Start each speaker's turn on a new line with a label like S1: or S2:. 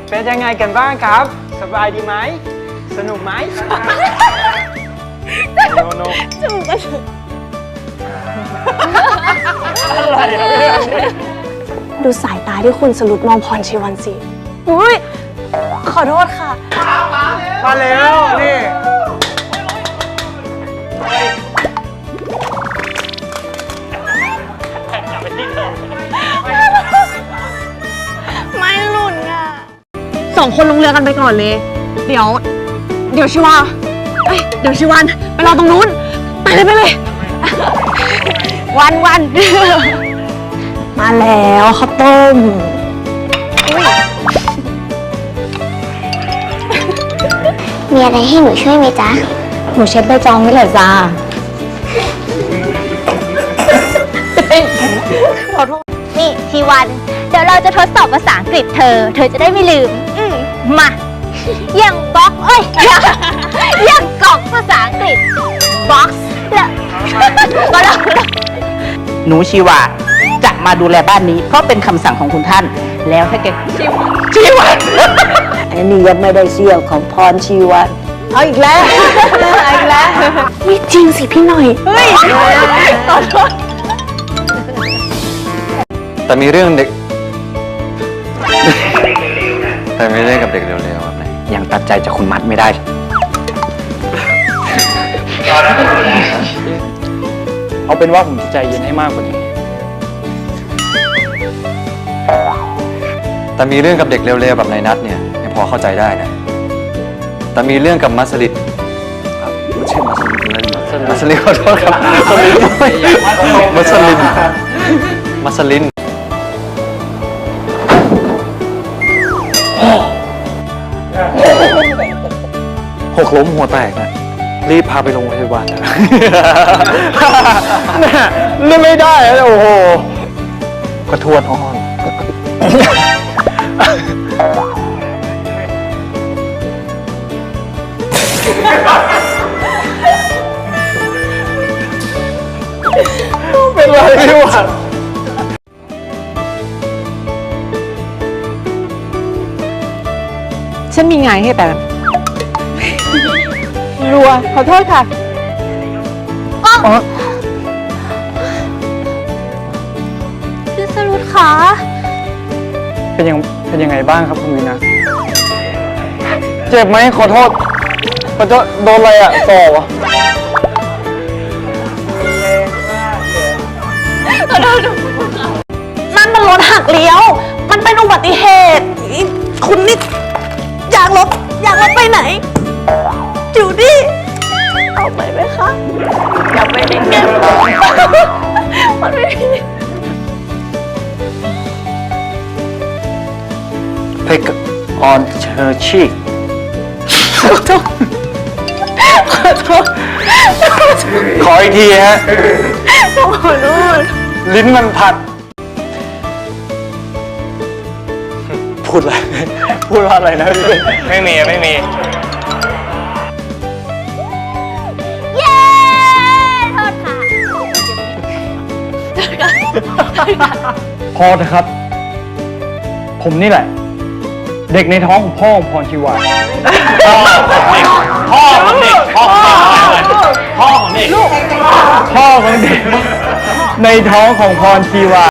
S1: เป็นยังไงกันบ้างครับสบายดีไหมสนุกไหมโนโนจูบกันอะไร
S2: ดูสายตาที่คุณสรุปมองพรชีวันสิอุ้ยขอโทษค่ะ
S1: มาแล้วนี่
S2: ไม่หลุดอ่ะ2 คนลงเรือกันไปก่อนเลยเดี๋ยวชิวาเดี๋ยวชิวันไปรอตรงนู้นไปเลยวันมาแล้วข้าวต้ม
S3: มีอะไรให้หนูช่วยไหมจ๊ะ
S2: หนูเช็ดใบจองไว้เลยจ้า
S3: นี่ทีวันเดี๋ยวเราจะทดสอบภาษาอังกฤษเธอจะได้ไม่ลืมมาอย่างบล็อกอย่างกล่องภาษาอังกฤษ box แล้วก็แล้ว
S4: หนูชีวาจะมาดูแลบ้านนี้เพราะเป็นคำสั่งของคุณท่านแล้วถ้าแกชีวา
S5: อันนี้ยังไม่ได้เสี้ยวของพรชีวัน
S2: เอาอีกแล้วไม่จริงสิพี่หน่อยเฮ้ยขอโทษ
S1: แต่มีเรื่องเด็กแต่มีเรื่องกับเด็กเร็วๆแบบไหนยังตัดใจจากคุณมัดไม่ได้เอาเป็นว่าผมจะใจเย็นให้มากกว่านี้แต่มีเรื่องกับเด็กเร็วๆแบบนายนัทเนี่ยยังพอเข้าใจได้นะแต่มีเรื่องกับมัสลิดชื่อมัสลิดขอโทษครับมัสลินหกล้มหัวแตกนะรีบพาไปโรงพยาบาลนะเล่นไม่ได้แล้วโอ้โหกระทวนอ่อนเป็นไรพี่วะ
S2: ฉันมีงานให้แต่รัวขอโทษค่ะ
S3: พี่สรุปขา
S1: เป็นยังไงบ้างครับคุณวีนะเจ็บไหมขอโทษโดนอะไรอ่ะต่อวะ
S2: นั่นมันรถหักเลี้ยวมันเป็นอุบัติเหตุคุณนี่อยากรถไปไหนจูดี้เอาไปไหมคะอยากไปที่เก็บมันไม่มี
S1: เพกออนเชอร์ชีกขออีกทีฮะลิ้นมันผัดพูดว่าอะไรนะไม่มี
S3: เย้โทษค่ะ
S1: พอเถอะครับผมนี่แหละเด็กในท้องของพ่อพรชีวาพ่อของเด็กในท้องของพรชีวา